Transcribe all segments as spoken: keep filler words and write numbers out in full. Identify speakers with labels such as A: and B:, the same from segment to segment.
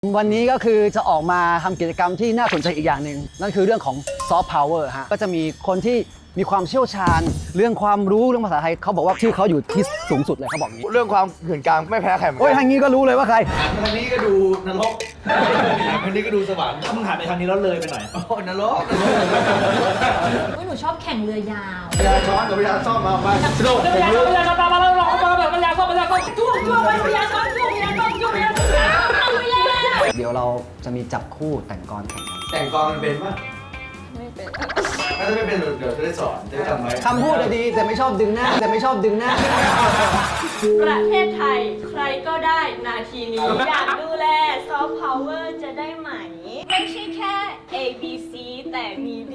A: วันนี้ก็คือจะออกมาทำกิจกรรมที่น่าสนใจอีกอย่างหนึ่งนั่นคือเรื่องของซอฟต์พาวเวอร์ฮะก็จะมีคนที่มีความเชี่ยวชาญเรื่องความรู้เรื่องภาษาไทยเขาบอกว่าชื่อเขาอยู่ที่สูงสุดเลยเขาบอกงี้
B: เรื่องความเหื่อนกลางไม่แพ้ใครเหมือนกั
A: โอ้ยทางนี้ก็รู้เลยว่าใคร
B: ทางนี้ก็ดูนรกทางนี้ก็ดูสวรรค์
C: ถ้ามึงหันไปทางนี้แล้วเลยไปหน่อย
B: โอ้นรก
D: หนูชอบแข่งเรือยาว
B: พยาช้อนกับพยาซ่อมมาไปสนุก
C: เดี๋ยวเวลาเวลาตามมาแล้วลองมาแบบเวลาเข้าเวลาเข้า
D: จ้วงจ้วงไปเรือยาวจ้วงจ้วงเรือยาวจ้วงจ้วงเรือยาวเอาไปแล้ว
A: เดี๋ยวเราจะมีจับคู่แต่งกลแข่งกัน
B: แต่งกลอนมันเป็นปะ
D: ไม่เป็น
B: ถ้าไม่เป็นเดี๋ยวจะได้สอนจะได้จำไว้
A: คำพูดดีแต่ไม่ชอบดึงหน้าแต่ไม่ชอบดึงหน้า
E: ประเทศไทยใครก็ได้นาทีนี้ อยากดูแลซอฟต์พาวเวอร์จะได้ไหม ไม่ใช่แค่ A B C แต่มีดี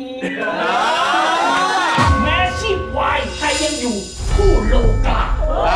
C: แม้ชีพวายใครยังอยู่คู่โลกา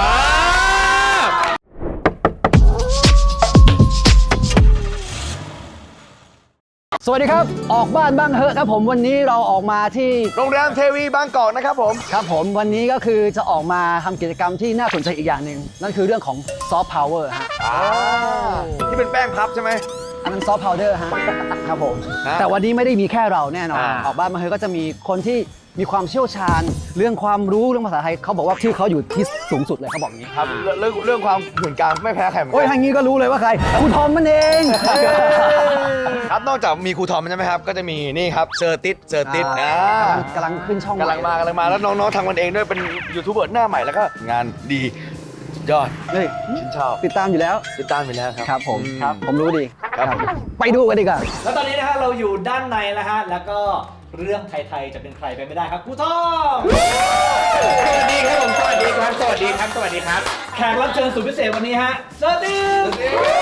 A: สวัสดีครับออกบ้านบ้างเหอะครับผมวันนี้เราออกมาที่
B: โรงแรมเทวีบางกอกนะครับผม
A: ครับผมวันนี้ก็คือจะออกมาทำกิจกรรมที่น่าสนใจอีกอย่างหนึ่งนั่นคือเรื่องของซอฟต์พาวเวอร์ฮะ
B: อ่าที่เป็นแป้งพับใช่ไหม
A: อันนั้นซอฟต์พาวเดอร์ฮะครับผม
B: ฮะ
A: แต่วันนี้ไม่ได้มีแค่เราแน่นอน
B: อ่า
A: ออกบ้านมาเฮยก็จะมีคนที่มีความเชี่ยวชาญ เรื่องความรู้เรื่องภาษาไทยเขาบอกว่าชื่อเขาอยู่ที่สูงสุดเลยเขาบอกงี้
B: ครับเรื่องเรื่องความเหื่อนกลางไม่แพ้ใครเหมือน
A: โอ้ย
B: กั
A: ทางนี้ก็รู้เลยว่าใครครูทอมมันเอง
B: ครับนอกจากมีครูทอมใช่ไหมครับก็จะมีนี่ครับเซอร์ติสเซอร์ติส
A: อ่า
B: อ่าก
A: ำลังขึ้นช่อง
B: กำลังมากำลังมาแล้วน้องๆทำกันเองด้วยเป็นยูทูบเบอร์หน้าใหม่แล้วก็งานดีสุดยอด
A: เฮ้ย
B: ฉันชอบ
A: ติดตามอยู่แล้ว
B: ติดตามไปแล้วครับ
A: ครับผม
B: อื
A: ครับผมรู้ดี
B: ครับ
A: ไปดูกันดีกว่า
C: แล้วตอนนี้นะฮะเราอยู่ด้านในแล้วฮะแล้วก็เรื่องไทยๆจะเป็นใครไปไม่ได้ครับครูทอง
F: สวัสดีครับผมสวัสดีครับสวัสดีครับสวัสดีครับ
C: แขกรับเชิญสุดพิเศษวันนี้ฮะเซอร์ติส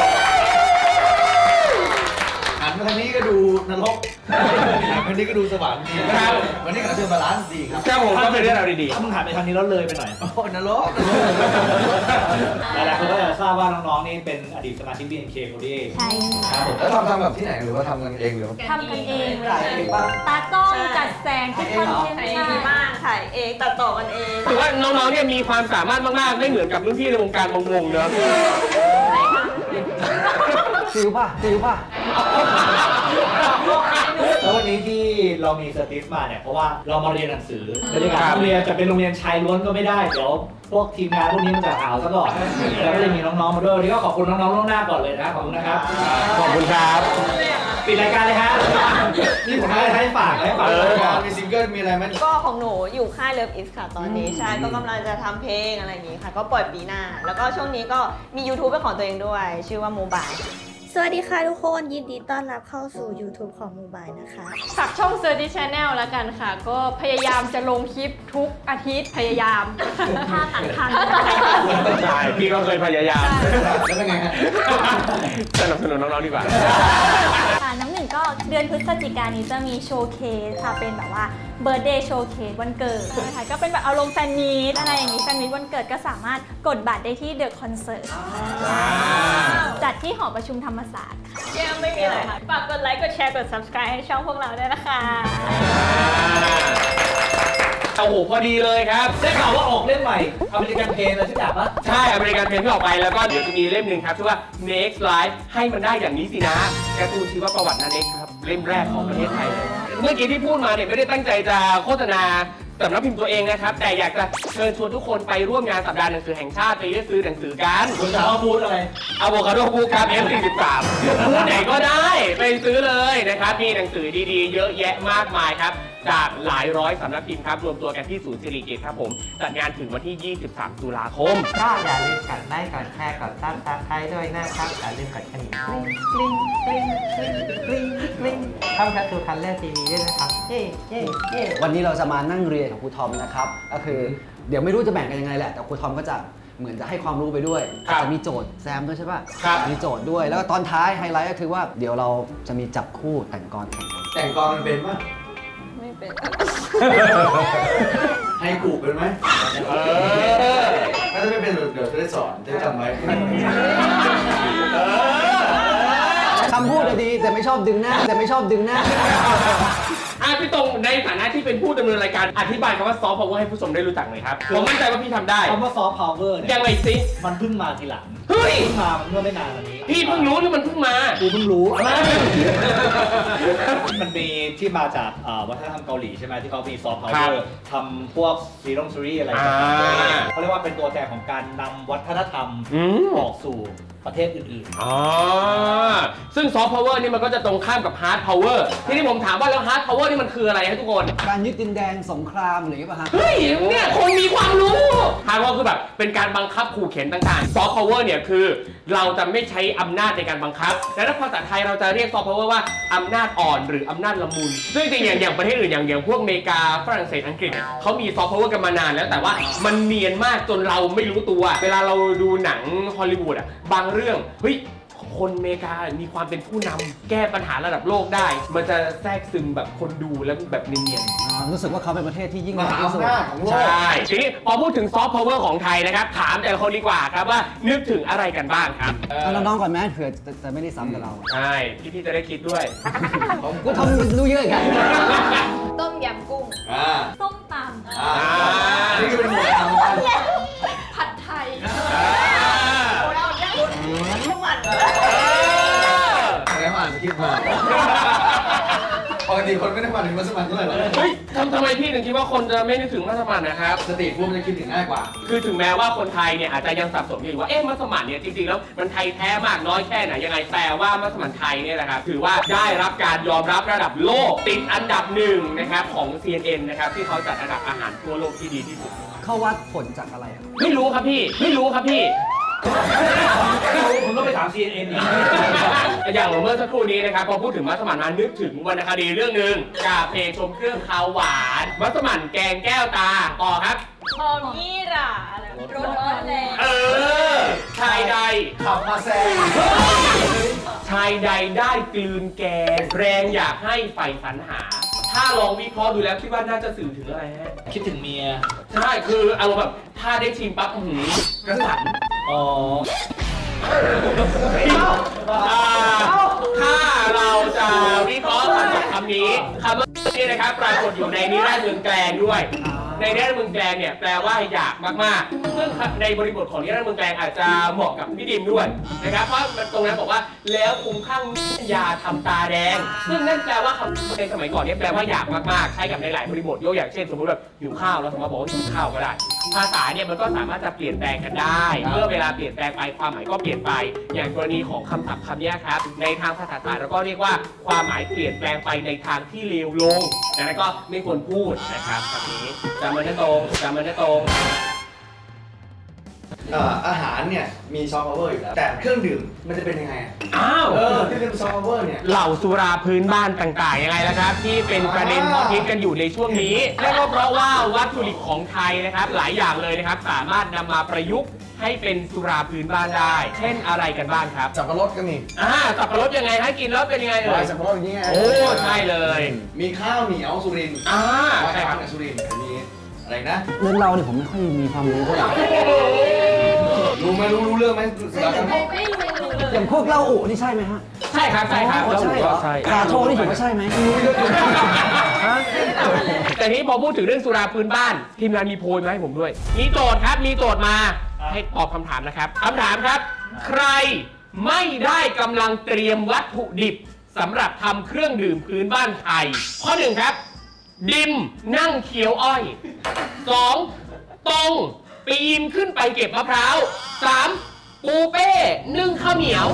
B: หันมาทางนี้ก็ดูนรกหันมาทางนี้ก็ดูสวรรค์
F: ครับ
B: วันนี้ก็เชิญบาลานซ์ดีครับ
F: ครับผมก็เป็นเรื่องราวดี
C: ถ้ามึงหันไปทางนี้แล้วเลยไปหน่อย
B: โอ้นรก
C: หลายๆคนก็จะทราบว่าน้องๆนี่เป็นอดีตสมาชิก บี เอ็น เค โฟร์ตี้
D: ใช่
C: ครับผม
B: แล้วทำทำแบบที่ไหนหรือว่าทำกันเองหรือว่า
D: ทำกันเองเล
B: ถ่าย
D: ย
B: เองป่ะ
D: ตากล้องจัดแสงทุกคอนเทนต์
E: ถ่าย
D: ใช่
E: ดีมากถ่ายเองตัดต่อกันเอง
F: ๆถือว่าน้องๆเนี่ยมีความสามารถมากๆ ไม่เหมือนกับรุ่นพี่ในวงการวงๆเนอะ
A: ซิวป่ะซิวป่ะ
C: แล้ววันนี้ที่เรามีเซอร์ติสมาเนี่ยเพราะว่าเรามาเรียนหนังสือบรรยากาศโรงเรียนจะเป็นโรงเรียนชายล้วนก็ไม่ได้เดี๋ยวพวกทีมงานพวกนี้มันจะหาวซะก่อนแล้วก็จะมีน้องๆมาด้วยวันนี้ก็ขอบคุณน้องๆล่วงหน้าก่อนเลยนะขอบคุณนะครับ
F: ขอบคุณครับ
C: ปิดรายการเลยฮะนี่ผมให้ให้ฝากให้ฝาก
B: เอ
C: เล
B: อย
C: ครับ
B: มีซิงเกิลมีอะไรไหม
E: ก็ของหนูอยู่ค่ายเลิฟอิสค่ะตอนนี้ใช่ก็กำลังจะทำเพลงอะไรอย่างงี้ค่ะ ก็ปล่อยปีหน้า แล้วก็ช่วงนี้ก็มี YouTube เป็นของตัวเองด้วย ชื่อว่าโมบาย
G: สวัสดีค่ะทุกคนยินดีต้อนรับเข้าสู่ YouTube ของ Mobile นะคะ
E: ฝากช่อง Surdy Channel แล้วกันค่ะ ก็พยายามจะลงคลิปทุกอาทิตย์พยายาม
D: ท่าตัดทัน
F: ใช่พี่ก็เคยพยายาม
B: แล้วเป็นไงฮะ
F: สนับสนุนน้องๆดีกว่า
G: ค่ะน้ำหนึ่งก็เดือนพฤศจิกายนนี้จะมีโชว์เคสค่ะ เป็นแบบว่าเบิร์ d เดย์โชว์เคสวันเกิดนะคะก็เป็นแบบอารมณ์แฟนมีตอะไรอย่างนี้แฟนมีตวันเกิดก็สามารถกดบัตรได้ที่เดอะคอนเสิร์ตจัดที่หอประชุมธรรมศาสตร์ค่ะ
E: ยังไม่มีอะไรค่ะฝากกดไลค์ กดแชร์ กด Subscribe ให้ช่องพวกเราด้วยนะคะ
F: โอ้โหพอดีเลยครับ
C: ได้ข่าวว่าออกเล่มใหม่อเมริกันเพลงอะไรสักอย่างปะ
F: ใช่อเมริกันเพลงที่ออกไปแล้วก็เดี๋ยวจะมีเล่มหนึ่งครับชื่อว่า Next Life ให้มันได้อย่างนี้สินะการ์ตูนชีวประวัตินาเน็กครับเล่มแรกของประเทศไทยเลยเมื่อกี้ที่พูดมาเนี่ยไม่ได้ตั้งใจจะโฆษณาสำนักพิมพ์ตัวเองนะครับแต่อยากจะเชิญชวนทุกคนไปร่วมงานสัปดาห์หนังสือแห่งชาติไปเลือกซื้อหนังสือกัน
C: คุณจะเอาพูดอะไร
F: อะโวคาโดบูครับ เอฟ สี่สิบสาม บูธไหนก็ได้ไปซื้อเลยนะครับมีหนังสือดีๆ เยอะแยะมากมายครับจากหลายร้อยสำนักพิมพ์ครับรวมตัวกันที่ศูนย์สิริกิติ์ครับผมจัดงานถึงวันที่ ยี่สิบสาม ตุลาคม
H: ก็อย่าลืมกดไลค์กดแชร์กดซับสไครต์ด้วยนะครับอย่าลืมกดกระดิ่งกริ๊งกริ๊งกริ๊งกริ๊งกริ๊งเข้าแคปซูลคัลเลอร์ทีวีด้วยนะครับเย้เย้เย้
A: วันนี้เราจะมานั่งเรียนกับครูทอมนะครับก็คือเดี๋ยวไม่รู้จะแบ่งกันยังไงแหละแต่ครูทอมก็จะเหมือนจะให้ความรู้ไปด้วย
F: ครับ
A: จะมีโจทย์แซมด้วยใช่ป่ะ
F: ครับ
A: มีโจทย์ด้วยแล้วก็ตอนท้ายไฮไลท์ก็คือว่าเดี๋ยวเราจะมีจับคู่แต่งกลแข่งกัน
B: แต่งกลอนมันเป็นปะ
E: ไม่เป็น
B: ให้กูเป็นไหม
F: เออ
B: ถ้าไม่เป็นเดี๋ยวจะได้สอนจะได้จำไว้
A: คำพูดดีแต่ไม่ชอบดึงหน้าแต่ไม่ชอบดึงหน้า
F: อ่ะพี่ตรงในฐานะที่เป็นผู้ดำเนินรายการอธิบายคำว่าซอฟต์พาวเวอร์ให้ผู้ชมได้รู้จักหน่อยครับผมมั่นใจว่าพี่ทำได้
C: คำว่าซอฟต์พาวเวอร์เนี่ย
F: ยังไงสิ
C: มันเพิ่งมาทีหลัง
F: เฮ้ยฮ้ย
C: เพิ่งมาเมื่อไม่นานมานี้
F: พี่เพิ่งรู้หรือมันเพิ่งมา
C: กูเพิ่งรู้ มันมีที่มาจากอ่าวัฒนธรรมเกาหลีใช่ไหมที่เขามีซอฟต์พาว
F: ครั
C: เวอบ ร์ทำพวกซีรีส์ซีรีส์อะไรต่าง
F: อ่า
C: ๆเขาเรียกว่าเป็นตัวแทนของการนำวัฒนธรรม
F: อืม
C: ออกสู่ประเทศอื่นๆ
F: อ๋อซึ่งซอฟต์พาวเวอร์นี่มันก็จะตรงข้ามกับฮาร์ดพาวเวอร์ที่นี่ผมถามว่าแล้วฮาร์ดพาวเวอร์นี่มันคืออะไรฮะทุกคน
A: การยึดดินแดนสงครามอะไรอย่างเงี้ยป่ะฮะ
F: เฮ้ยเนี่ยคนมีความรู้ฮาร์ดพาวเวอร์คือแบบเป็นการบังคับขู่เข็นต่างๆซอฟต์พาวเวอร์เนี่ยคือเราจะไม่ใช้อำนาจในการบังคับแต่ถ้าภาษาไทยเราจะเรียกซอฟต์พาวเวอร์ว่าอำนาจอ่อนหรืออำนาจละมุนซึ่งจริงๆอย่างอย่างประเทศอื่นอย่างอย่างพวกอเมริกาฝรั่งเศสอังกฤษเนี่ยเขามีซอฟต์พาวเวอร์กันมานานแล้วแต่ว่ามันเนียนมากจนเราไม่รู้ตัวเวลาเราดูหนังฮอลลีวูดอ่ะบางเรื่องเฮ้ยคนอเมริกามีความเป็นผู้นำแก้ปัญหาระดับโลกได้มันจะแทรกซึมแบบคนดูแล้วแบบเนียนๆ
A: อ่ารู้สึกว่าเขาเป็นประเทศที่ยิ่งให
B: ม
A: ญ่
B: หา
A: ที่สุด
B: อำนาจของโลก
F: ใช่ทีนี้พอพูดถึงซอฟต์พาวเวอร์ของไทยนะครับ ถามแต่ละคนดีกว่าครับว่านึกถึงอะไรกันบ้างครับ
A: เอาน้องๆก่อนแม่เผื่อจะจะไม่ได้ซ้ำกับเรา
F: ใช่พี่ๆจะได้คิดด้วย
A: ก็ทำรู้เยอะกัน
E: ต้มยำกุ้ง
B: อ่า
E: ส้มต
B: อ่าอันนี้ก็เป็นหมวดทำกัน
E: ำผัดไทย
F: อ่า
E: ข้าวมัน
B: แล้วอ่านสคริปต์มาปกติคนไม่ได้มาถึงมัสมั่นเท่าไหร่หรอก
F: เฮ้ยทำทำไมพี่ถึงคิดว่าคนจะไม่นึกถึงมัสมั่นนะครับ
B: สตรีทฟู้ดมันจะคิดถึงง่ายกว่า
F: คือถึงแม้ว่าคนไทยเนี่ยอาจจะยังสับสนอยู่ว่าเอ๊ะมัสมั่นเนี่ยจริงๆแล้วมันไทยแท้มากน้อยแค่ไหนยังไงแต่ว่ามัสมั่นไทยเนี่ยนะครับถือว่าได้รับการยอมรับระดับโลกติดอันดับหนึ่งนะครับของ ซี เอ็น เอ็น นะครับที่เขาจัดอันดับอาหารทั่วโลกที่ดีที่สุด
A: เขาวัดผลจากอะไรอะ
F: ไม่รู้ครับพี่ไม่รู้ครับพี่
C: ผมก็ไปถาม ซี เอ็น เอ็น อีก
F: อย่างเมื่อสักครู่นี้นะครับพอพูดถึงมัสมั่นมานึกถึงวรรณคดีเรื่องหนึ่งกาเพลชมเครื่องคาวหวานมัสมั่นแกงแก้วตาต่อครับ
E: หอมยี่หร่าอะไรรสอ่อนแรง
F: เออชายใด
B: ขับมาแซง
F: ชายใดได้กลืนแกงแรงอยากให้ใฝ่ฝันหา ถ้าลองวิเคราะห์ดูแล้วคิดว่าน่าจะสื่อถึงอะไรฮะ
C: คิดถึงเมีย
F: ใช่คืออารมณ์แบบถ้าได้ชิมปั๊บอื้อหือกระสัน
C: อ๋อ
F: อ่าถ้าเราจะวิเคราะห์คำศัพท์คำนี้คำว่านี้นะครับปรากฏอยู่ในนิราศเมืองแกลงด้วย ในนิราศเมืองแกลงเนี่ยแปลว่าอยากมากๆซึ่งในบริบทของนิราศเมืองแกลงอาจจะเหมาะกับพี่ดิมด้วยนะครับเพราะมันตรงนั้นบอกว่าแล้วคุ้มข้างยาทำตาแดง ซึ่งนั่นแปลว่าคำในสมัยก่อนเนี่ยแปลว่าอยากมากๆใช้กับในหลายบริบทยกอย่างเช่นสมมติแบบหิวข้าวแล้วสมมติบอกว่าหิวข้าวก็ได้ภาษาเนี่ยมันก็สามารถจะเปลี่ยนแปลงกันได้เมื่อเวลาเปลี่ยนแปลงไปความหมายก็เปลี่ยนไปอย่างกรณีของคำศัพท์คำนี้ครับในทางภาษาศาสตร์เราก็เรียกว่าความหมายเปลี่ยนแปลงไปในทางที่เลวลงดังนั้นก็ไม่ควรพูดนะครับแบบนี้จำมันได้ตรงจำมันได้ตรง
B: เอ่ออาหารเนี่ยมีซอฟต์พาวเวอร์อยู่แล้วแต่เครื่องดื่มมันจะเป็นยังไงอะ
F: อ้าว
B: เออที่เป็นซอฟต์พาวเวอร์เนี่ย
F: เหล่าสุราพื้นบ้านต่างๆยังไงล่ะครับ ที่เป็นประเด็นฮอตฮิตกันอยู่ในช่วงนี้และก็เพราะว่าวัตถุดิบของไทยนะครับหลายอย่างเลยนะครับสามารถนำมาประยุกต์ให้เป็นสุราพื้นบ้านได้ เช่นอะไรกันบ้างครับ
B: สับปะรดก็มี
F: อ่าสับปะรดยังไงให้กินแล้วเป็นยังไงเอ่
B: วาย
F: ย
B: สับปะรดอย่างเงี้ย
F: โอ้ใช่เลย
B: มีข้าวเหนียวสุรินทร์
F: อ่า
B: ข้าว
F: ใช่
B: เห
F: ครับ
B: นียวสุรินทร์มีอะไรนะ
A: เรื่องเราเนี่ยผมไม่ค่อยมีความรู้เท่าไหร่
B: รู้ไหมรู้รู้เรื่องไหมสุดยอดครับ
E: ไม่รู้เลย
A: อย่างพวกเหล้าอุนี่ใช่ไหมฮะ
F: ใช่ครับใช่ครับ
A: อ๋อ
F: แล้ว
A: ใช่เหรอ
F: ใช่
A: กาโทนี่ถือว่าใช่ไหม ฮะ
F: แต่ทีนี้พอพูดถึงเรื่องสุราพื้นบ้าน ทีมงานมีโพยมาให้ผมด้วย มีโจทย์ครับมีโจทย์มาให้ตอบคำถามนะครับคำถามครับ ใครไม่ได้กำลังเตรียมวัตถุดิบสำหรับทำเครื่องดื่มพื้นบ้านไทย ข้อหนึ่งครับ ดิมนั่งเคี้ยวอ้อยสองตรงปีนขึ้นไปเก็บมะพร้าวสามปูเป้นึ่งข้าวเหนียว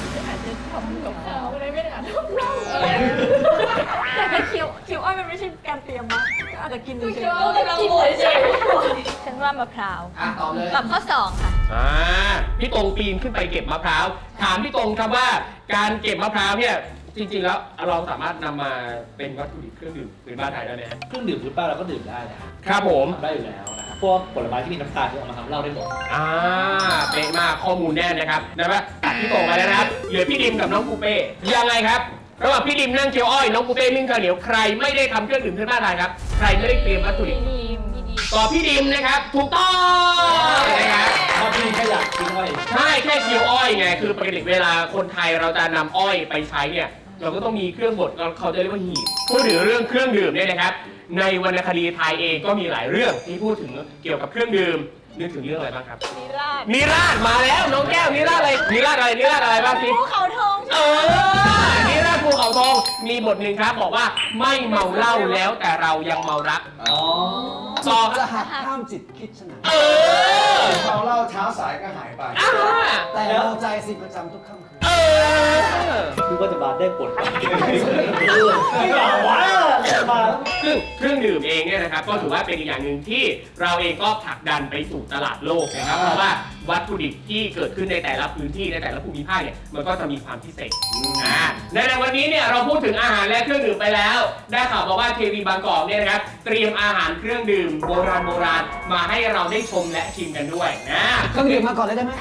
G: แต่ถ้าเคี้ยวเคี้ยวอ้อยมันไม่ใช่การเตรียมมั้งอาจจะกินดูเฉย
E: ก็กำลังโวยใช่
G: ฉันว่ามะพร้าว
B: อ่ะตอบเลย
G: ตอบข้อสองค่ะ
F: อ่าพี่ตรงปีนขึ้นไปเก็บมะพร้าวถามพี่ตรงครับว่าการเก็บมะพร้าวเนี่ยจริงๆแล้วเราสามารถนำมาเป็นวัตถุดิบเครื่องดื่มพื้นบ้านไทยได้ไหมฮะ
C: เครื่องดื่มพื้นบ้านเราก็ดื่มได้นะครับ
F: ครับผม
C: ทำได้อยู่แล้วนะครับพวกผลไม้ที่มีน้ำตาลที่เอามาทำเหล้าได้หมด
F: อ่าเป๊ะมากข้อมูลแน่นนะครับนะว่าตัดพี่ตรงไปแล้วนะครับเหลือพี่ดิมกับน้องปูเป้ยังไงครับระหว่างพี่ดิมนั่งเคี้ยวอ้อยน้องปูเป้นึ่งข้าวเหนียวใครไม่ได้ทำเครื่องดื่มพื้นบ้านไทยครับใครไม่ได้เตรียมวัตถุดิบ
G: ดีมดี
F: ตอบพี่ดิมนะครับถูกต้องนะครับ
C: ถ้าพี่แค่อยากกินอ้อย
F: ใช่แค่เคี้ยวอ้อยไงคือปกติเวลาคนไทยเราจะนำอ้อยไปใช้เนี่ยเราก็ต้องมีเครื่องบดเขาจะเรียกว่าหีบพูดถึงเรื่องเครื่องดื่มเนี่ยนะครับในวรรณคดีไทยเองก็มีหลายเรื่องที่พูดถึงเกี่ยวกับเครื่องดื่มนึกถึงเรื่องอะไรบ้างครับ
E: นิราศ
F: นิราศมาแล้วน้องแก้วนิราศอะไรนิราศอะไรนิราศอะไรบ้างสิ
E: ภูเขาทอง
F: เออนิราศภูเขาทองมีบทหนึ่งครับบอกว่าไม่เมาเหล้าแล้วแต่เรายังเมารัก
C: อ๋อ
F: ต่อ
A: จะหักห้ามจิตคิดฉะนั้น
F: เออ
B: เราเล่าเช้าสายก็หายไป
F: อ่า
A: แต่เราใจสิประจำทุกค่ำคืน
F: เออ
C: คือว่าจะมาได้ผลไม่หล่าวะมา
F: ซึ่งเครื่องดื่มเองเนี่ยนะครับก็ถือว่าเป็นอีกอย่างหนึ่งที่เราเองก็ผลักดันไปสู่ตลาดโลกนะครับเพราะว่าวัตถุดิบที่เกิดขึ้นในแต่ละพื้นที่ในแต่ละภูมิภาคเนี่ยมันก็จะมีความพิเศษอ่าในในวันนี้เนี่ยเราพูดถึงอาหารและเครื่องดื่มไปแล้ว ได้ข่าวมาว่า เค วี บางกอกเนี่ยนะครับเตรียมอาหารเครื่องดื่มโบราณโบราณมาให้เราได้ชมและชิมกันด้วยนะ
A: เครื่องดื่มมาก่อนเลยได้ไหม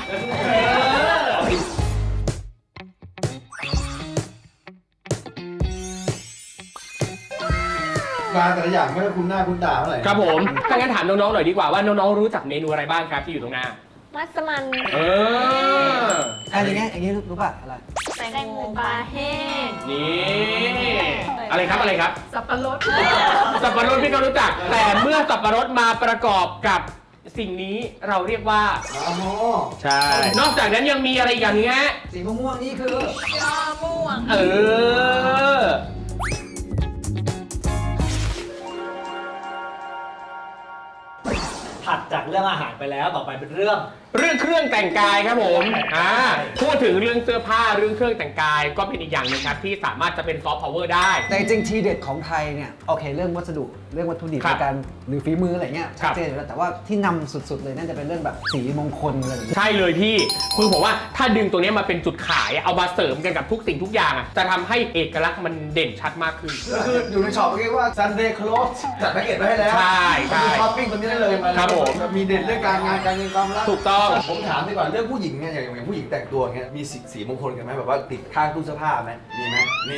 B: มาแต่ละอย่างไม่ได้คุ้นหน้าคุ้นตาเท่าไหร่
F: ครับผมถ้างั้นถามน้องๆหน่อยดีกว่าว่าน้องๆรู้จักเมนูอะไรบ้างครับที่อยู่ตรงหน้า
E: มัสมั่น
F: เออ
A: อ่ะอย่างเงี้ยอย่างงี้รู้ป่ะอะไร
E: แตงโมปลาแห้ง
F: นี่อะไรครับอะไรครับ
D: สับปะรด
F: สับปะรดพี่ก็รู้จัก แต่เมื่อสับปะรดมาประกอบกับสิ่งนี้เราเรียกว่า
B: อ๋อ
F: ใช่ นอกจากนั้นยังมีอะไรอีกอย่างนึงฮะ
A: สีม่วงๆนี่คือ
E: ยอม่วง
F: เออ
C: ถัดจากเรื่องอาหารไปแล้วต่อไปเป็นเรื่อง
F: เรื่องเครื่องแต่งกายครับผมอ่าพูดถึงเรื่องเสื้อผ้าเรื่องเครื่องแต่งกายก็เป็นอีกอย่างหนึงครับที่สามารถจะเป็นซอฟต์พาวเวอร์ได้
A: แต่จริงๆทีเด็ดของไทยเนี่ยโอเคเรื่องวัสดุเรื่องวัตถุดิบ
F: ครับ
A: ในการหรือฝีมืออะไรเงี้ย
F: ครั
A: ชัด
F: บ
A: เจนอยู่แล้วแต่ว่าที่นำสุดๆเลยน่าจะเป็นเรื่องแบบสีมงคลอะไรแบบนี้
F: ใช่เลยพี่คือผมว่าถ้าดึงตัวนี้มาเป็นจุดขายเอามาเสริมกันกับทุกสิ่งทุกอย่างอะจะทำให้เอกลักษณ์มันเด่นชัดมากขึ้น
B: ก็คืออยู่ในช็อปเรียกว่า Sunday Clothes จัดแพ็กเกจไว้ให้แล้ว
F: ใช่ใช่
B: ช้อปปิ้งตรงนี้ได้เลยมา
F: ครับผม
B: มีเด่นเรื่องการงานการเงินความรัก
F: ถูกต้อง
B: ผมถามดีกว่าเรื่องผู้หญิงเนี่ยอย่างอย่างผู้หญิงแต่งตัวอย่างเงี้ยมีสีสีมงคลกันไหมแบบว่าติดข้างตู้เสื้อผ้าไหมมีไหมมี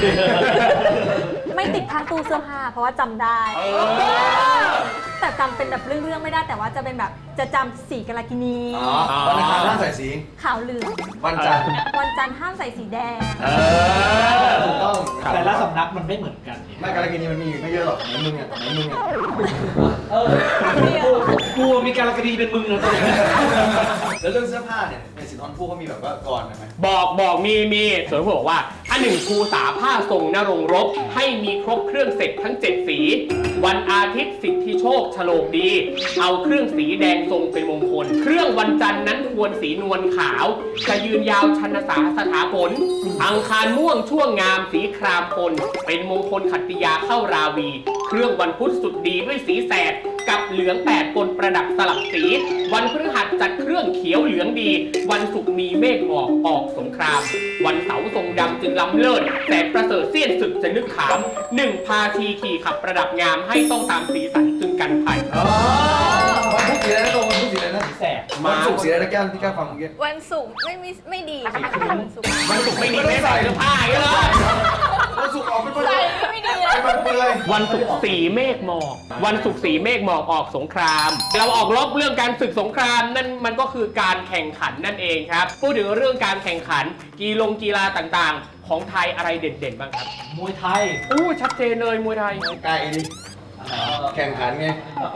G: ไม่ติดข้างตู้เสื้อผ้าเพราะว่าจำได้
F: เออ
G: แต่จำเป็นแบบเรื่องๆไม่ได้แต่ว่าจะเป็นแบบจะจำสีกาลากินี
B: อ๋อวันอังคารห้ามใส่สี
G: ขาวเหลือง
B: วันจันทร์
G: วันจันทร์ห้ามใส่สีแดง
F: เออ
B: ถูกต้อง
C: แต่ละสำนักมันไม่เหมือนกันเนี่ย
B: ไม่การกินีมันมีอยู่ไม่เยอะหรอกไหนมึงอ่ะไหนมึงอ่ะ
C: เออกูมีการกระดีเป็นมึงนะตอนนี้
B: แล้วเรื่องเสื้อผ้าเนี่ยในสินทรภู่เขามีแบบว่าก่อนไหม
F: บอกบอกมีมีส่วนผมบอกว่าอันหนึ่งครูสาผ้าทรงนรงค์รบให้มีครบเครื่องเสร็จทั้งเจ็ดสี วันอาทิตย์สิทธิโชคโฉลกดี เอาเครื่องสีแดงทรงเป็นมงคล เครื่องวันจันทร์นั้นควรสีนวลขาว จะยืนยาวชันสาสถาผล อังคารม่วงช่วงงามสีครามพล เป็นมงคลขัตติยาเข้าราวี เครื่องวันพุธสุดดีด้วยสีแสด กับเหลืองแปดปนประดับสลับสี วันพฤหัสจัดเครื่องเขียวเหลืองดี วันศุกร์มีเมฆหมอกออกสงคราม วันเสาร์ทรงดำจึงล้ำเลิศแต่ประเสริฐเสี้ยนศึกจะนึกขามหนึ่งพาทีขี่ขับประดับงามให้ต้องตามสีสันจึงกันภัย
B: อ๋อวันพุธสีอะไรนะตรงวันพุธสีอะไรนะ
C: แสบ
B: วันศุกร์สีอะไรนะแก้มที่แก้มฟังเมื่อกี้
E: วันศุกร์ไม่มีไม่ดีค่ะวันศุกร์
F: วันศุกร์ไม่มีไม่ใส่เสื้อผ้าอย่างเงี้ยเหรอ
B: วันศุกร์ออกเป็นวัน
E: ใส่ไม่ดีเลย
B: เป็นวันเปลือย
F: วันศุกร์สีเมฆหมอกวันศุกร์สีเมฆหมอกออกสงคราม เราออกรบเรื่องการศึกสงครามนั่นมันก็คือการแข่งขันนั่นเองครับพูดถึงเรื่องการแข่งขันกีฬงกีฬาต่างๆ ของไทยอะไรเด่นๆบ้างครับ
C: มวยไทย
F: อู้ชัดเจนเลยมวยไทย
B: ไกลดิแข่งขันไง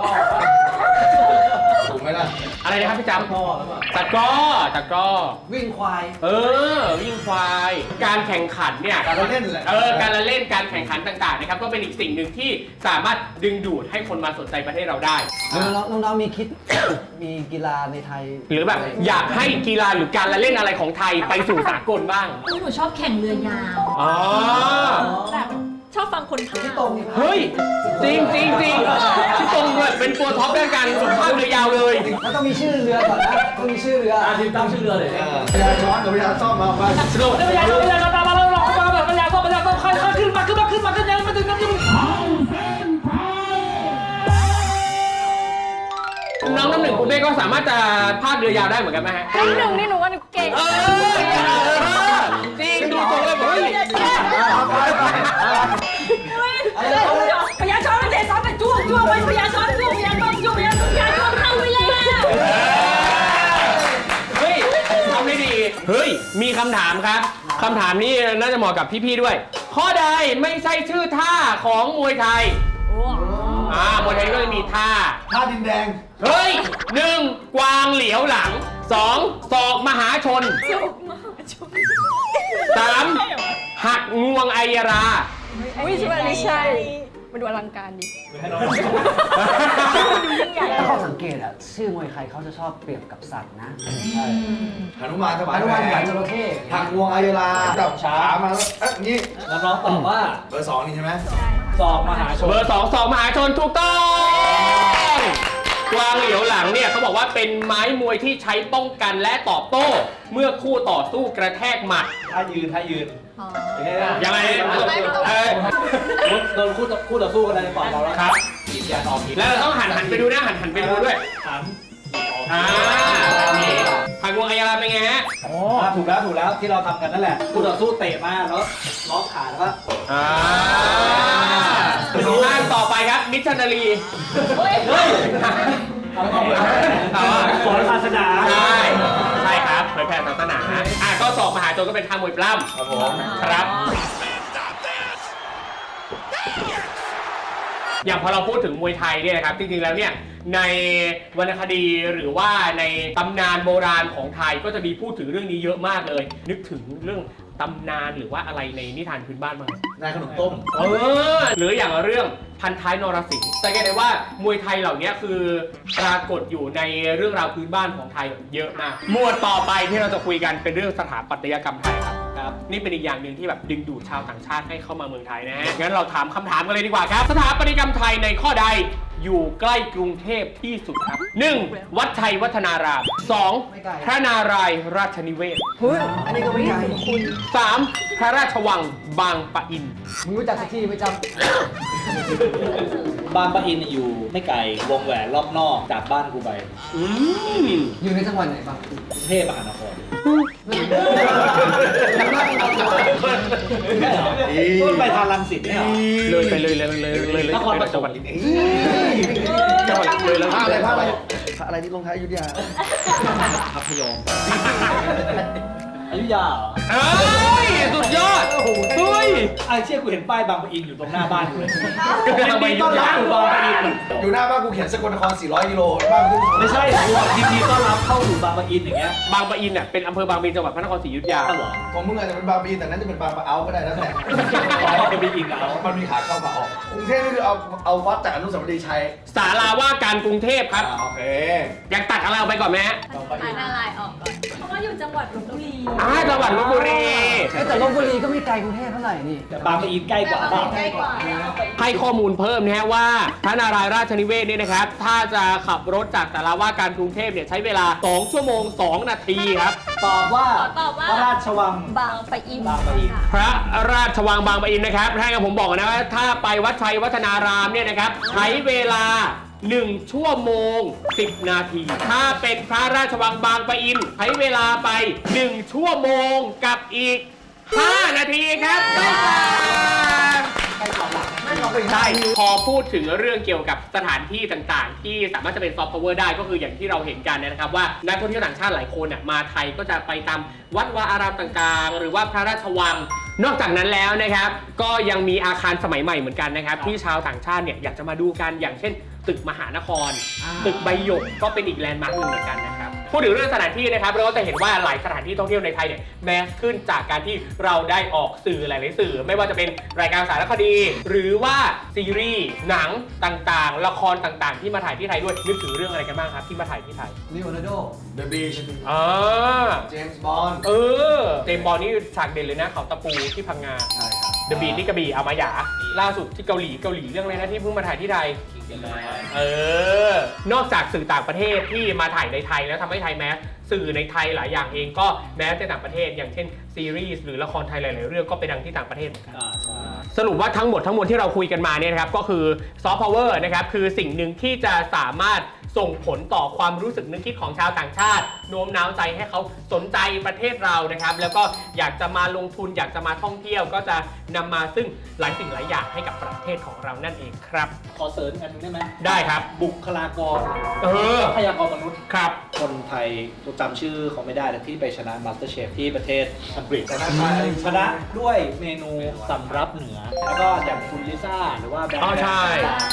B: ถูกไหมล่ะ
F: อะไรนะครับพี่จำตะกร้อตะกร้อ
A: วิ่งควาย
F: เออวิ่งควายการแข่งขันเนี่ย
B: การละเล่นแหละ
F: เออการละเล่นการแข่งขันต่างๆนะครับก็เป็นอีกสิ่งหนึ่งที่สามารถดึงดูดให้คนมาสนใจประเทศเราได้
A: น้องๆน้องๆมีคิด มีกีฬาในไทย
F: หรือแบบอยากให้กีฬาหรือการละเล่นอะไรของไทยไปสู่สากลบ้าง
D: หนูชอบแข่งเรือยาว
F: อ๋อ
G: แบบชอบฟังคนพากย์
A: พี่ตรงนี่
F: เฮ้ยจริงจริงจริงพี่ตรงเลยเป็นตัวท็อปเรื่องการสุขภาพเรือยาวเลย
A: มันต้องมีชื่อเรือก่อนนะต้องมีชื่อเรือ
C: อาทีมตั้งชื่อเรือเลย
B: พยาช้อนกับพยาซ่อมมาไป
F: สรุป
C: เรือยาวเรือยาวตามมาแล้วเราตามมาเรือยาวก็เรือยาวก็ค่อยๆขึ้นมาขึ้นมาขึ้นมาขึ้นมาขึ้นมาขึ้นมา
F: น้องน้ำหนึ่งคุณเป้ก็สามารถจะพากเรือยาวได้เหมือนกันไหมฮะ
E: น้ำหนึ่งนี่หนูว่าหนูเก่ง
F: เออจริงดูตรงเลยเฮ้ย
D: พยาช้อนไม่เตะซ้อนแต่จ้วงจ้วงไปพยาช้อนจ้วงพยาช้อนจ้วงพยาช้อนพยาช้อนเข้าไปแล้ว
F: เฮ้ยทำได้ดีเฮ้ยมีคำถามครับคำถามนี้น่าจะเหมาะกับพี่ๆด้วย ข้อใดไม่ใช่ชื่อท่าของมวยไทย
E: โอ้
F: อ่ามวยไทยก็จะมีท่า
B: ท่าดินแดง
F: เฮ้ยหนึ่งกวางเหลียวหลังสองศอกมหาชนสามหักงวงไอยรา
D: อุ้ยใช่ไหมไม่ใช่มันดูอลังการดิ
A: ถ้าเขาสังเกตอ่ะชื่อมวยไทยเขาจะชอบเปรียบกับสัตว์นะ
B: หนุมานถวาย
A: อนุ
B: แหว
A: มานหวาน
B: น
A: จระเข้
B: หักงวงอายราจับขามาแล้วเอ๊ะอย่างนี้
C: แล้วน้องตอบว่า
B: เบอร์สองนี่ใช่ไหม
C: ศอกมหาชน
F: เบอร์สองสองมหาชนถูกต้องกวางเหลียวหลังเนี่ยเขาบอกว่าเป็นไม้มวยที่ใช้ป้องกันและตอบโต้ เมื่อคู่ต่อสู้กระแทกหมัด
C: ถ้ายืนถ้ายืนยังไง
F: ยังไงเออ
C: โดนคู่ต่อคู่ต่อสู้กันในปอดเราแล้ว
F: ครับ
C: ขีดยาออกขีด
F: แล้วเราต้องหันหันไปดูนะหันหันไปดูด้วย
C: หัน
F: อ่านี่หักงวงไอยราเป็นไงฮะ
C: อ๋อถูกแล้วถูกแล้วที่เราทำกันนั่นแหละคู่ต่อสู้เตะมาแล้วล็อกขาแล้วก็
F: อ่าท่านต่อไปครับมิชชันนารี
C: เฮ้ยสอนศาสนา
F: ใช่ใช่ครับเผยแผ่ศาสนาอ่ะก็สอบมหาชนก็เป็นท่ามวยปล้ำ
B: ครับผม
F: ครับ อย่างพอเราพูดถึงมวยไทยเนี่ยนะครับจริงๆแล้วเนี่ยในวรรณคดีหรือว่าในตำนานโบราณของไทยก็จะมีพูดถึงเรื่องนี้เยอะมากเลย นึกถึงเรื่องตำนานหรือว่าอะไรในนิทานพื้นบ้านบ้าง
B: นายขนมต้ม
F: เออหรืออย่างเรื่องพันท้ายนรสิงห์สังเกตได้ว่ามวยไทยเหล่านี้คือปรากฏอยู่ในเรื่องราวพื้นบ้านของไทยเยอะมากหมวดต่อไปที่เราจะคุยกันเป็นเรื่องสถาปัตยกรรมไทยครับครับนี่เป็นอีกอย่างหนึ่งที่แบบดึงดูดชาวต่างชาติให้เข้ามาเมืองไทยนะฮะงั้นเราถามคำถามกันเลยดีกว่าครับสถาปัตยกรรมไทยในข้อใดอยู่ใกล้กรุงเทพที่สุดครับ หนึ่ง วัดชัยวัฒนาราม สอง พระนารายณ์ราชนิเวศน์
A: เฮ้ยอันนี้ก็ไม่ไกล
F: สาม พระราชวังบางปะอิน
A: มึงรู้จักสักที่ไม่จ
C: บางปะอินอยู่ไม่ไกลวงแหวนรอบนอกจากบ้านกูไป
F: อืม
A: ำอยู่ในจังหวัดไหนบ้าง
C: กรุงเทพมหานคร
B: อี
C: ต้นไปทางรังสิตเนี่ยเหรอ
F: เลยไปเลยเลยเลยเลยเลย
C: นครปฐม
F: จังหวัดจังหวัดเลยแล้ว
B: ผ้าอะไรผ้าอะไรผ้าอะไรที่ลงท้ายอยุธยา
C: พัทยมอยุธยาเหรอ
F: เอ้ยสุดยอดเฮ้ย
C: ไอ้เชี่ยกูเห็นป้ายบางปะอินอยู่ตรงหน้าบ้านกูเลย
F: ทำไม
C: ยินดีต้อนรับสู่บางปะอิน
B: อยู่หน้าบ้านกูเขียนสกลนครสี่ร้อยกิโลบ้านกู
C: ไม่ใช่กูบอกยินดีต้อนรับเข้าสู่บางปะอินอย่างเงี้ย
F: บางปะอินเนี่ยเป็นอำเภอบางปะอินจังหวัดพระนครศรีอยุธยา
C: อ้าวเหรอ
B: ของมึงอาจจะเป็นบางปะอินแต่นั้นจะเป็นบางปะเอาก็ได้แล้วแต่
C: อ๋อเป็นปะอินเอา
B: มันมีขาเข้ามาออกกรุงเทพนี่คือเอาเอาวัดจากอนุสาวรีย์ชัย
F: สาราว่าการกรุงเทพครับ
B: อ่าโอเค
F: อยากตัดอะไรออกไปก่อนไหมฮะ
E: อ่านอะไรออกก่อนเพราะว่าอยู่จังหวัดลพบุรี
F: อ่าจังหวัดลพบุรี
A: เอ้ยแต่ลพบุรีก็ไม่ไกลกรุงเทพเท่าไหร่นี่
C: แต่บางปะอินใกล้กว่าเปล่า
E: ใกล้กว่า
F: ให้ข้อมูลเพิ่มนะฮะว่าพระนารายณ์ราชนิเวศน์เนี่ยนะครับ ถ้าจะขับรถจากสาราว่าการกรุงเทพเนี่ยใช้เวลา สอง ชั่วโมง สอง นาทีครับ
C: ตอบว่า
E: ตอบว่า
C: พระราชวัง
G: บางปะอิน
C: บางปะอิน
F: พระราชวังบางปะอินนะครับให้กับผมบอกนะว่าถ้าไปวัดชัยวัฒนารามเนี่ยนะครับใช้เวลา หนึ่ง ชั่วโมง สิบ นาที ถ้าเป็นพระราชวังบางปะอินใช้เวลาไป หนึ่ง ชั่วโมงกับอีก ห้า นาทีครับใช่พอพูดถึงเรื่องเกี่ยวกับสถานที่ต่างๆ ที่สามารถจะเป็นซอฟต์พาวเวอร์ได้ก็คืออย่างที่เราเห็นกันนะครับว่านักท่องเที่ยวต่างชาติหลายคนน่ะมาไทยก็จะไปตามวัดวาอารามต่างๆ หรือว่าพระราชวัง นอกจากนั้นแล้วนะครับก็ยังมีอาคารสมัยใหม่เหมือนกันนะครับที่ชาวต่างชาติเนี่ยอยากจะมาดูกันอย่างเช่น ตึกมหานคร ตึกใบหยกก็เป็นอีกแลนด์มาร์คหนึ่งเหมือนกันนะครับพูดถึงเรื่องสถานที่นะครับเราก็จะเห็นว่าหลายสถานที่ท่องเที่ยวในไทยเนี่ยแมสขึ้นจากการที่เราได้ออกสื่อหลายๆสื่อ ไม่ว่าจะเป็นรายการสารคดี หรือว่าซีรีส์หนังต่างๆ ละครต่างๆ ที่มาถ่ายที่ไทยด้วยนึกถึงเรื่องอะไรกันบ้างครับที่มาถ่ายที่ไทย
A: ลีโอนาร์โด
B: The Beach
F: อ่า
B: เจมส์บอนด์
F: เออเจมส์บอลนี่ฉากเด่นเลยนะเขาตะปูที่พังงา
B: ใช่ครับ
F: เดอะบีทนี่กระบี่เอามาหยาล่าสุดที่เกาหลีเกาหลีเรื่องอะไรนะที่เพิ่งมาถ่ายที่ไทยเออนอกจากสื่อต่างประเทศที่มาถ่ายในไทยแล้วทำให้ไทยแมสสื่อในไทยหลายอย่างเองก็แมสในต่างประเทศอย่างเช่นซีรีส์หรือละครไทยหลายๆเรื่องก็ไปดังที่ต่างประเทศเหมือนกัน
C: อ่าใช่
F: สรุปว่าทั้งหมดทั้งมวลที่เราคุยกันมาเนี่ยนะครับก็คือซอฟต์พาวเวอร์นะครับคือสิ่งหนึ่งที่จะสามารถส่งผลต่อความรู้สึกนึกคิดของชาวต่างชาติโน้มน้าวใจให้เขาสนใจประเทศเรานะครับแล้วก็อยากจะมาลงทุนอยากจะมาท่องเที่ยวก็จะนำมาซึ่งหลายสิ่งหลายอย่างให้กับประเทศของเรานั่นเองครับ
C: ขอเสริมอีกอันหนึงได้ไหม
F: ได้ครับ
C: บุคลากร
F: เออ
C: ทรัพยากรมนุษย์
F: ครับ
C: คนไทยตัวจำชื่อเขาไม่ได้แต่ที่ไปชนะ MasterChef ที่ประเทศอังกฤษ
B: ชนะใคร
C: ชนะด้วยเมนูสำรับเหนือ แล้วก็อย่างคุณลิซ่าหรือว่าแบงค์
F: อ๋อใช่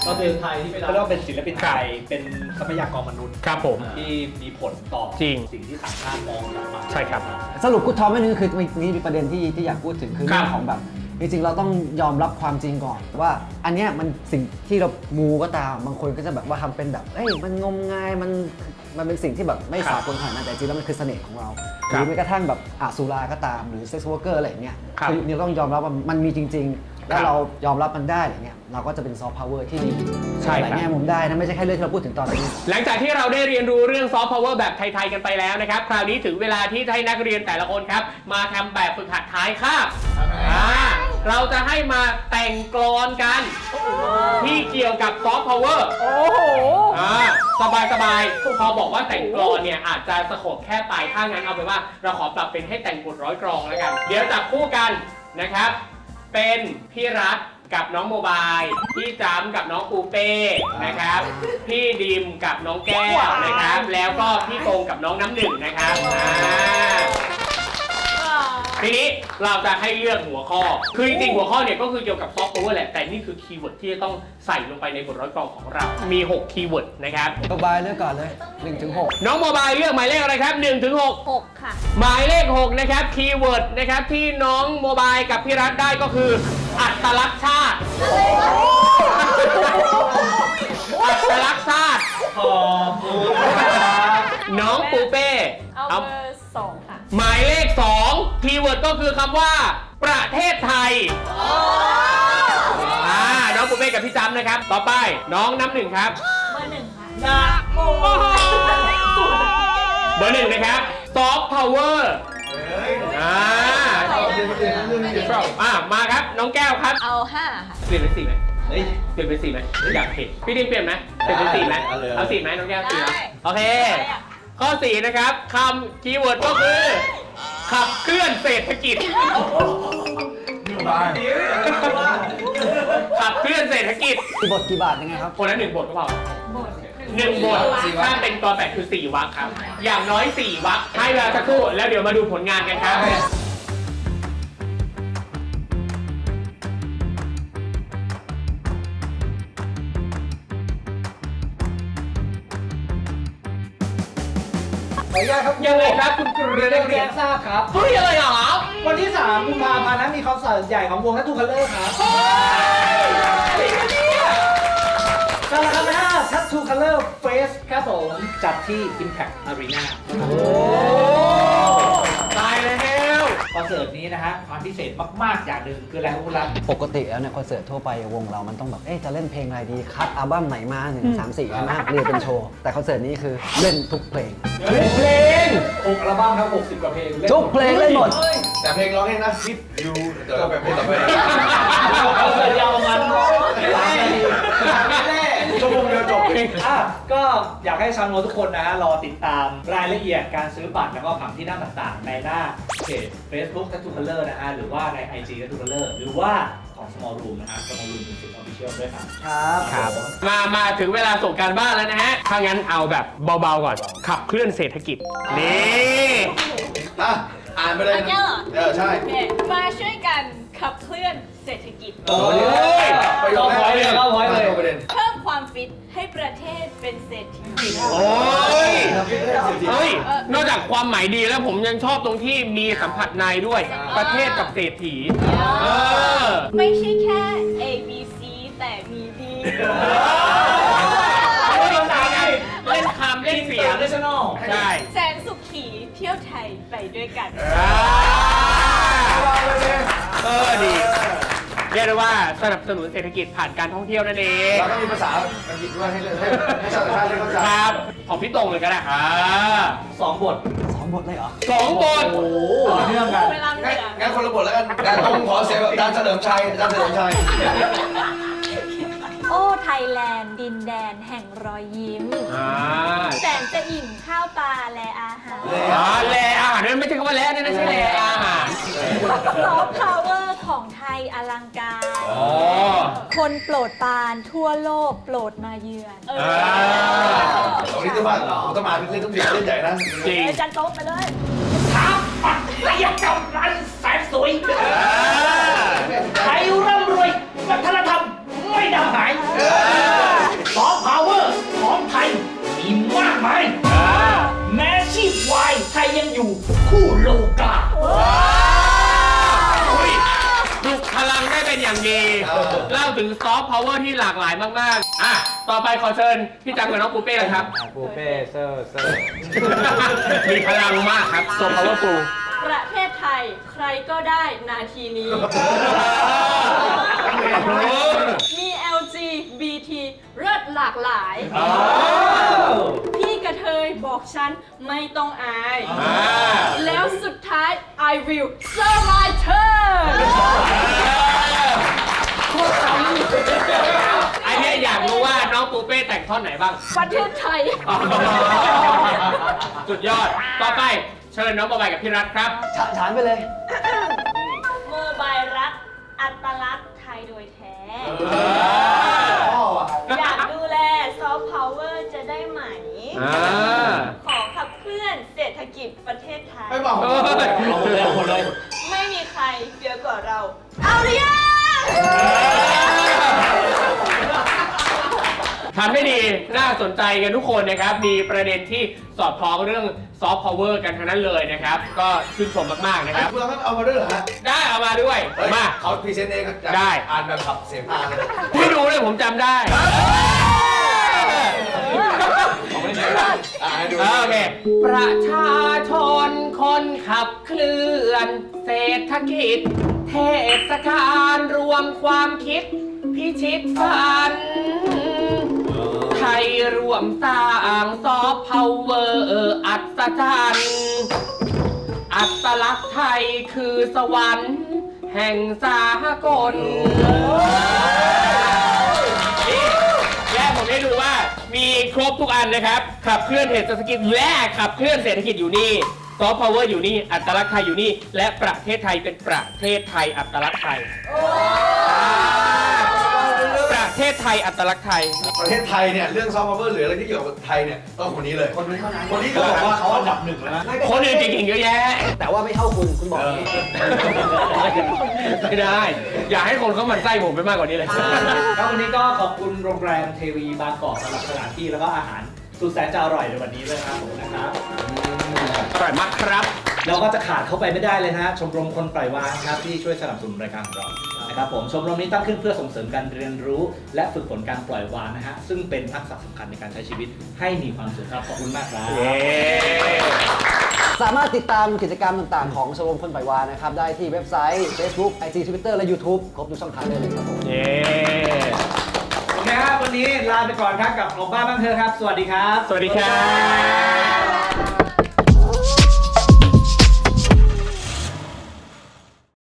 C: เราเป็นไทยที่เป็นเขาเรียกว่าเป็นศิลปินไทยเป็นทรัพยากรมนุษย์
F: ครับผม
C: ที่มีผลต่อ
F: จริง
C: สิ่งที่ต่างชาติมองกลับมา
F: ใช่ครับ
A: สรุปกูทอมไม่นึงคือมีมีประเด็นที่ที่อยากพูดถึงคือ
F: ครั
A: เรื่
F: บ
A: องของแบบจริงๆเราต้องยอมรับความจริงก่อนว่าอันเนี้ยมันสิ่งที่เรามูก็ตามบางคนก็จะแบบว่าทำเป็นแบบเอ้ยมันงมงายมันมันเป็นสิ่งที่แบบไม่สากลขนาดนั้นแต่จริงๆแล้วมันคือเสน่ห์ของเราหรือแม้กระทั่งแบบอาสุราก็ตามหรือเซ็กซ์วอร์เกอร์อะไรอย่างเงี้ย
F: ครับ
A: คือนี่เราต้องยอมรับว่ามันมีจริง ๆ แล้วเรายอมรับมันได้อะไรเงี้ยเราก็จะเป็นซอฟต์พาวเวอร์ที่ดี
F: ใช่
A: หลาย
F: ครับ
A: แง่มุมได้นะไม่ใช่แค่เรื่องที่เราพูดถึงตอนนี้
F: หลังจากที่เราได้เรียนรู้เรื่องซอฟต์พาวเวอร์แบบไทยๆกันไปแล้วนะครับ คราวนี้ถึงเวลาที่ให้นักเรียนแต่ละคนครับ มาทำแบบฝึกหัดท้ายคาบอ่าเราจะให้มาแต่งกลอนกัน ที่เกี่ยวกับซอฟต์พาวเวอร์
D: โอ้โห
F: อ่าสบายสบายๆพอบอกว่าแต่งกลอนเนี่ยอาจจะสะกดแค่ปลายถ้างั้นเอาไปนว่าเราขอปรับเป็นให้แต่งบทร้อยกลองแล้วกัน เดี๋ยวจับคู่กันนะครับ เป็นพี่รัฐกับน้องโมบายพี่จำกับน้องปูเป้นะครับ พี่ดิมกับน้องแก้วนะครับ แล้วก็พี่ตรงกับน้องน้ำหนึ่งนะครับอ่าทีนี้เราจะให้เลือกหัวข้อ คือจริงๆหัวข้อเนี่ยก็คือเกี่ยวกับซอฟต์พาวเวอร์แหละ แต่นี่คือคีย์เวิร์ดที่จะต้องใส่ลงไปในบทร้อยกลองของเรา มีหกคีย์เวิร์ดนะครับ
A: โมบายเลือกก่อนเลยหนึ่งถึงหก
F: น้องโมบายเลือกหมายเลขอะไรครับหนึ่งถึงหก
E: หกค่ะ
F: หมายเลขหกนะครับคีย์เวิร์ดนะครับที่น้องโมบายกับพี่รัฐได้ก็คืออัตลักษณ์ชาติ อัตลักษณ์ชาติ
C: ขอบคุณครับ
F: น้องปูเป้
E: เอา
F: เอา
E: เบอร์สองค่ะ
F: หมายเลขสองคีย์เวิร์ดก็คือคำว่าประเทศไทยอ่าน้องปูเป้กับพี่จำนะครับ ต่อไปน้องน้ำหนึ่งครับ
E: เบอร์หนึ่งค่ะ
C: นะโม
F: เบอร์หนึ่งนะครับซอฟต์พาวเวอร์อ่าอ่ามาครับน้องแก้วครับ
E: เอาห้าค่ะ
F: เปลี่ยนเป็นสี่ไหม
C: เฮ้ย
F: เปลี่ยนเป็นสี่ไหมอยากเห็นพี่ดิมเปลี่ยนไหมเปลี่ยนเป็นสี่ไหม
B: เอาเลย
F: เอาสี่ไหมน้องแก้วสี่ไหม
E: ได้
F: โอเค ข้อสี่นะครับคำคีย์เวิร์ดก็คือ ขับเคลื่อนเศรษฐกิจ ขับเคลื่อนเศรษฐกิจ
A: กี่บทกี่บาทยังไงครับ
F: คนละหนึ่งบทก็พอหนึ่งบทถ้าเป็นตัวแปดคือสี่วรรคครับ อย่างน้อยสี่วรรคให้เวลาสักครู่แล้วเดี๋ยวมาดูผลงานกันครับ
C: ขออนุญาตครับ
F: ยังไงครับคุณครู
C: เรียน
F: ได้
C: ได้
F: เรี
C: เรี
F: ย
C: ย
F: น
C: นทราบครับ
F: เฮ้ยอะไรหรอ
C: วันที่สามกุมภาพันธ์นั้นมีคอนเสิร์ตใหญ่ของวงนัททูคัลเลอร์ครับการละครั้งห้าทัตทูคัลเลอร์เฟสครับผมจัดที่ Impact Arena
F: ตายแล้ว
C: คอนเสิร์ตนี้นะฮะความพิเศษมากๆอย่างหนึ่งคืออะไรครับคุณรัฐ
A: ปกติแล้วเนี่ยคอนเสิร์ตทั่วไปวงเรามันต้องแบบเอ๊ะจะเล่นเพลงอะไรดีคัดอัลบั้มไหนมาหนึ่งสามสี่ใช่ไหมเรียนเป็นโชว์แต่คอนเสิร์ตนี้คือเล่นทุกเพลง
F: เพลง
C: หกอัลบั้มครับหกสิบกว่าเพลงล่น
A: ทุกเพลงเล่นหมด
B: แต่เพลงร้องเองนะคิดยูเดี๋ยวเราไปเพลงต่อไป
C: คอนเสิร์ตยาวประมาณ
B: ชั่วโมงเดียวจบ
C: อ่ะก็อยากให้ชาวโนทุกคนนะฮะรอติดตามรายละเอียดการซื้อบัตรแล้วก็ผังที่นั่งต่างๆ ในหน้าเพจ Facebook Tattoo Color นะฮะหรือว่าใน ไอ จี Tattoo Color หรือว่าของ Small Room นะฮะ Small Room Music Official ด้วยครับ
A: ครับ
F: ครับ มามาถึงเวลาส่งการบ้านแล้วนะฮะ ถ้างั้นเอาแบบเบาๆก่อน ขับเคลื่อนเศรษฐกิจ นี่
B: อ่ะอ่านไปเลย
E: อันเนี้ยเหรอ
B: เออใช่
E: โอเคมาช่วยกันขับเคลื่อนเศรษฐกิจ
C: โอ้ย
B: ประโยคแรก
C: เลยเข้าพอยต์เลย
B: ประเด็น
E: เพิ่มความฟิตให้ประเทศเป็นเศรษฐี
F: โอ้ย เฮ้ย นอกจากความหมายดีแล้วผมยังชอบตรงที่มีสัมผัสในด้วย ประเทศกับเศรษฐี เออ
E: ไม่ใช่แค่ A B C แต่มี D
F: เล่นคำเล่นเสียง
C: International
F: ใช่
E: แสนสุขีเที่ยวไทยไปด้วยกัน
F: อ่าเออดี เรียกได้ว่าสนับสนุนเศรษฐกิจผ่านการท่องเที่ยวนั่นเอง
B: แล้วก็มีภาษาอังกฤษด้วยให้เล่นให้ให้ชาวต่างชาติได้เข้าใจ
F: ครับ ของพี่ตรงเลยก็ได้อ่า
C: สองบท
A: สองบทเลยเหรอ
F: สองบท
C: ต่อเนื่องกัน
E: เวลาไม่
B: งั้น
E: เหลือ
B: งั้นคนละบทแล้วกันแต่ตรงขอเสียงแบบอาจารย์เฉลิมชัยอาจารย์เฉลิมชัย
G: โอ้ไทยแลนด์ดินแดนแห่งรอยยิ้ม
F: อ่า
G: แสนจะอิ่มข้าวปลาและอาหาร
F: อ่าแลอาหารนั่นไม่ใช่คำว่าแลนั่นไม่ใช่แลอาหาร
G: ซอฟต์พาวเวอร์ของไทยอลังการ
F: อ๋อ
G: คนโปรดปรานทั่วโลกโปรดมาเยือน
E: เออ
F: อ่า
B: ตรงนี้ต้องมาต้องมาเล่นต้องเล่นเล่นใหญ่นะ
F: จริง
E: อาจารย์โต๊ะไปเลย
C: ระยะกำลังแสนสวย
F: อ่า
C: ไทยร่ำรวยวัฒนธรรมไม่ดำหาย
F: เอออย่างดี เล่าถึงซอฟต์พาวเวอร์ที่หลากหลายมากๆอ่ะต่อไปขอเชิญพี่จังกับน้องปูเป้นะครับ
H: ปูเป้เซอร์เซอร์
F: มีพลังมากครับซอฟต์พาวเวอร์ฟูล
E: ประเทศไทยใครก็ได้นาทีนี้ มี แอล จี บี ที เลิศหลากหลาย พี่กระเทยบอกฉันไม่ต้องอาย แล้วสุดท้าย I will serve my turn
F: อันนี้อยากรู้ว่าน้องปูเป้แต่งท่อนไหนบ้าง
E: ประเทศไทย
F: สุดยอด ต่อไปเชิญน้องบอยกับพี่รัฐครับ
A: ฉะฉานไปเลย
E: โมบายรัฐอัตลักษณ์ไทยโดยแท้ อยากดูแลซอฟต์พาวเวอร์จะได้ไหม ขอขับเคลื่อนเศรษฐกิจประเทศไทย
B: ไม่บอก
F: เออ
C: เอาหมดเลยเอาหมดเลย
E: ไม่มีใครเฟี้ยวกว่าเรา เอาหรือยัง
F: ทำให้ดี น่าสนใจกันทุกคนนะครับ มีประเด็นที่สอดคล้องเรื่องซอฟต์พาวเวอร์กันทั้งนั้นเลยนะครับ ก็ชื่นชมมากๆนะครับ
B: คุณเราไม่เอามาด้วยเหรอฮะ
F: ได้เอามาด้วย
B: เฮ้ย
F: มา
B: เขาพรีเซนต์เองครับ
F: ได้
B: อ่านแบบขับเสียงพาเลย
F: ไม่ดูเลยผมจำได้
B: อ่าให้ดู
F: โอเค ประชาชนคนขับเคลื่อนเศรษฐกิจ เทศกาลรวมความคิด พิชิตฝัน ไทยรวมสร้างซอฟต์พาวเวอร์อัศจรรย์อัตลักษณ์ไทยคือสวรรค์ แห่งสากลนี่และผมได้ดูว่ามีครบทุกอันนะครับ ขับเคลื่อนเศรษฐกิจและขับเคลื่อนเศรษฐกิจอยู่นี่ซอฟต์พาวเวอร์อยู่นี่ อัตลักษณ์ไทยอยู่นี่ และประเทศไทยเป็นประเทศไทยอัตลักษณ์ไทยประเทศไทยอัตลักษณ์ไทย
B: ประเทศไทยเนี่ยเรื่องซอฟต์พาวเวอร์หรืออะไรที่เกี่ยวกับไทยเนี่ยต้องคนนี้เลย
A: คนนี้เท่านั้น
B: คนนี้
C: ก็
B: ก็
C: บบ อ
B: อก ก
C: ว่า
B: ว่า
C: เขาอันดับหนึ่งแล้วนะ
F: คนอื่นเก่งๆเยอะแยะ
A: แต่ว่าไม่เท่าคุณ คุณบอกอย่างนี้
F: ไม่ได้ อย่าให้คนเขาหมันไส้ผมไปมากกว่านี้เลย
C: แล้ววันนี้ก็ขอบคุณโรงแรมเทวีบางกอกสำหรับสถานที่แล้วก็อาหารสุดแสนจะอร่อยในวันนี้ด้วยนะครับผมนะครับ
F: อร่อยมากครับ
C: เราก็จะขาดเข้าไปไม่ได้เลยนะฮะชมรมคนปล่อยวางครับที่ช่วยสนับสนุนรายการของเรานะครับผมชมรมนี้ตั้งขึ้นเพื่อส่งเสริมการเรียนรู้ และฝึกฝนการปล่อยวางนะฮะซึ่งเป็นทักษะสำคัญในการใช้ชีวิตให้มีความสุขครับขอบคุณมากครับ
F: เย้
A: สามารถติดตามกิจกรรมต่างๆของชมรมคนปล่อยวานนะครับ ได้ที่เว็บไซต์ Facebook ไอ จี Twitter และ YouTube ครบทุกช่องทางได้เลยครับผม
F: เย้
C: โอเคครับวันนี้ลาไปก่อนครับกับออกบ้านบ้างเธอะครับ สวัสดีครับ
F: สวัสดีครับ